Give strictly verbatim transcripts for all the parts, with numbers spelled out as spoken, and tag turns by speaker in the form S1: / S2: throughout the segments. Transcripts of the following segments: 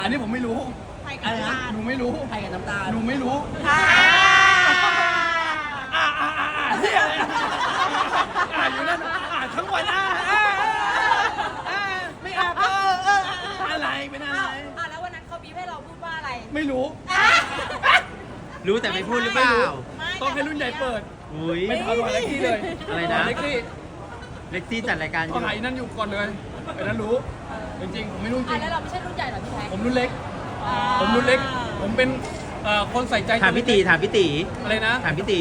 S1: อันนี้ผมไม่รู้
S2: ไทยกับน้ำตาล
S1: หนูไม่รู้
S3: ไทยกับน้ำตาล
S1: หนูไม่รู้
S2: อ่า
S1: อ่าอ่าอ่าอ่าเฮียอะไรอ่าอยู่นั่นอ่าทั้งวันอ่าอ่าอ่าไม่อาบเออเอออะไรเป็นอะไร
S2: อ่าแล้ววันนั้นเขาบีบให้เราพูดว่าอะไร
S1: ไม่รู้
S3: รู้แต่ไม่พูดหรือเปล่า
S1: ต้องให้รุ่นใหญ่เปิด
S3: อุ้ย
S1: ไม่ทันวันเล็กซี่เลย
S3: อะไรนะ
S1: เล็กซี่
S3: เล็กซี่จัดรายการอ
S1: ก็
S3: ยู่
S1: ไหนนั่นอยู่ก่อนเลยไอ้นั่นรู้ จริงๆผมไม่รู้จ
S2: อ่า
S1: ริง
S2: แล้วเราไม่ใช่รุ่นใหญ่เหรอพี่แท็ก
S1: ผมรุ่นเล็ก ผมรุ่นเล็ก ผมเป็นเอ่อคนใส่ใจ
S3: ถามพี่ตีถามพี่ตี
S1: อะไรนะ
S3: ถามพี่ตี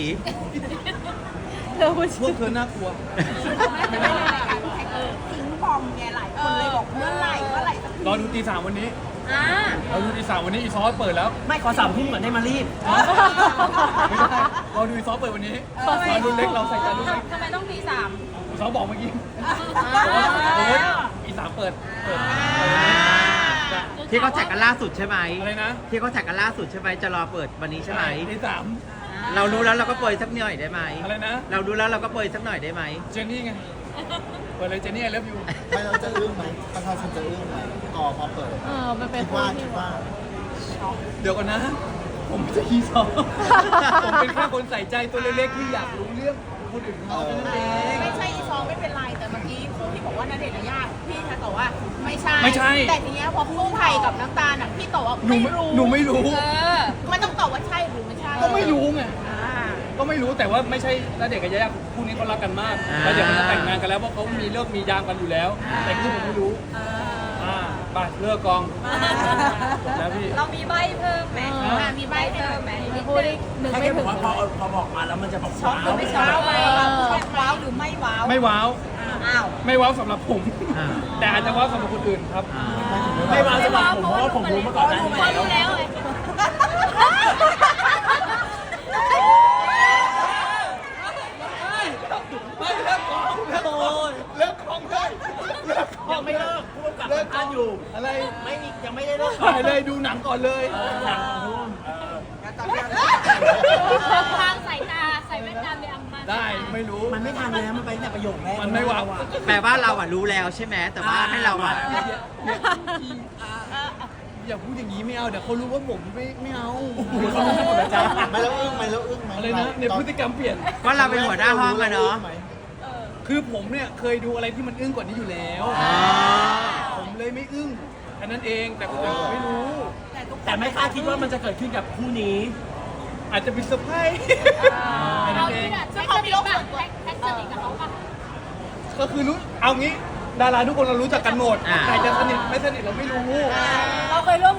S1: พวกเธอน่ากลัว
S2: ไม่ได้รายการพี่แท็กเออทิ้งบอมไงหลายคนเลยบอกเมื่อไหร่เมื่อไหร่สักที
S1: รอดูตีสามวันนี้
S2: อ่าร
S1: อดูตีสามวันนี้อีซอสเปิดแล้ว
S3: ไม่ขอสามทุ่มเหมือนได้มารีบ
S1: ไม่ใช่รอดูอีซอสเปิดวันนี้รอรุ่นเล็กเราใส่ใจรุ่นเล็ก
S2: ทำไมต้องตีสาม
S1: อีซอสบอกเมื่อกี้
S2: อ่า
S1: โอ้ยอีสามเปิดเปิด
S3: ที่เขาแจกกันล่าสุดใช่ไหม
S1: อะไรนะ
S3: ที่เขาแจกกันล่าสุดใช่ไหมจะรอเปิดวันนี้ใช่ไหม
S1: ตีสาม
S3: เรารู้แล้วเราก็เปิดสักหน่อยได้ไหม
S1: อะไรนะ
S3: เรารู้แล้วเราก็เปิดสักหน่อยได้ไหม
S1: เจนนี่ไงเปิดเลยเจนนี่ไอเลิฟยู
S4: ไม่เราจะอึ้งไหมประชาชนจะอึ้งไหมก่อพอเปิด
S5: เออ มันเป็น
S4: คิด
S5: คู่
S4: ว่า
S5: ที่
S4: คิดว่า
S1: เดี๋ยวก่อนนะ ผมไม่ใช่อีซอสผมเป็นแค่คนใส่ใจตัวเล็กๆที่อยากรู้เรื่องคนอื่นเขาแค่นั้นเอง
S2: ไม่ใช่อีซองไม่เป็นไรแต่เมื่อกี้คู่ที่บอกว่าณเดชน์กับย่าพี่แท็กตอบว่าไม่ใช่
S1: ไม่ใช่
S2: แต่ทีเนี้ยพอคู่ไทยกับน้ำตาลอ่ะพี่ตอบว่า
S1: หนู
S2: ไม่
S1: ไม่
S2: รู้
S1: หนูไม่รู้
S2: เออมันต้องตอบว่าใช่หรือไม่ใช่
S1: ก็ไม่รู้ไง
S2: อ่า
S1: ก็ไม่รู้แต่ว่าไม่ใช่ณเดชน์กับยายาคู่นี้เขารักกันมาก
S3: อ่า
S1: แล้วเดี๋ยวเขาจะแต่งงานกันแล้วเพราะเขามีเลิกมียามกันอยู่แล้ว แต่ที่ผมไม่รู้
S2: เออ
S1: อ่าไปเลิกกองจบแล้วพี่
S2: เรามีใบเพิ่มไหมอ่ามีใบเพิ่มไหม
S5: มีคู่ที่หนึ่งไม่ถึง
S3: พอพอบอกมาแล้วมันจะบอก
S2: ช็อกหรือไม่ช็อกว้าวว้าวหรือไม่ว้าว
S1: ไม่ว้าว
S2: อ้าว
S1: ไม่ว้าวสำหรับผม แต่อาจจะว้าวสำหรับคนอื่นครับ
S3: ไม่มาสำหรับผมเพราะว่าผมรู้มาก่อนหน้านี้
S2: พอรู้แล้วเลย
S1: ไม่เลิกกองเลิกกองเลิกกองเลยเลิกกอง
S3: ยังไม่เลิกพูดกับ
S1: เลิกก
S3: ท่า
S1: อน ง
S3: อยู่
S1: อะไร
S3: ไม่มียังไม่ได้เลิก
S1: ถ่ายเลยดูหนังก่อนเลย
S3: หนังของทุ่ม
S5: ทางสายตาใส่แว่นตาไปอัมมา
S1: ได้ไม่รู้
S3: มันไม่ทันแล้วมันไปตั้งแต่ประโยคแรก
S1: มันไม่ว้าว
S3: แปลว่าเราอ่ะรู้แล้วใช่ไหมแต่ว่าให้เราอ่ะ
S1: อย่าพูดอย่างนี้ไม่เอาเดี๋ยวเขารู้ว่าผมไม่ไม่เอา
S3: เขารู้หมดแล้วจ้า
S4: ไม่แล้วอึ้งไหมแล้วอึ้งไหม
S1: อะไรนะเนี่ยพฤติกรรมเปลี่ยน
S3: ก็เราเป็นหัวหน้าห้องอะเนาะ
S1: คือผมเนี่ยเคยดูอะไรที่มันอึ้งกว่านี้อยู่แล้ว
S3: อ๋อ
S1: ผมเลยไม่อึ้งแค่นั้นเองแต่คนอื่นผมไม่รู้
S3: แต่ไม่คาดคิดว่ามันจะเกิดขึ้นกับคู่นี้
S1: อาจจะเป็นเซอร์ไพรส์แค่นั้
S5: เรา
S1: นเอ
S5: ที่
S1: ง
S5: แบบแท็กสนิทแบบแท็กสนิทกับเขาปะ
S1: ก็คือรู้เอางี้ดาราทุกคนเรารู้จักกันหมด
S3: อ่า
S1: ใครจะสนิทไม่สนิทเราไม่รู้
S2: เราเคยร่วม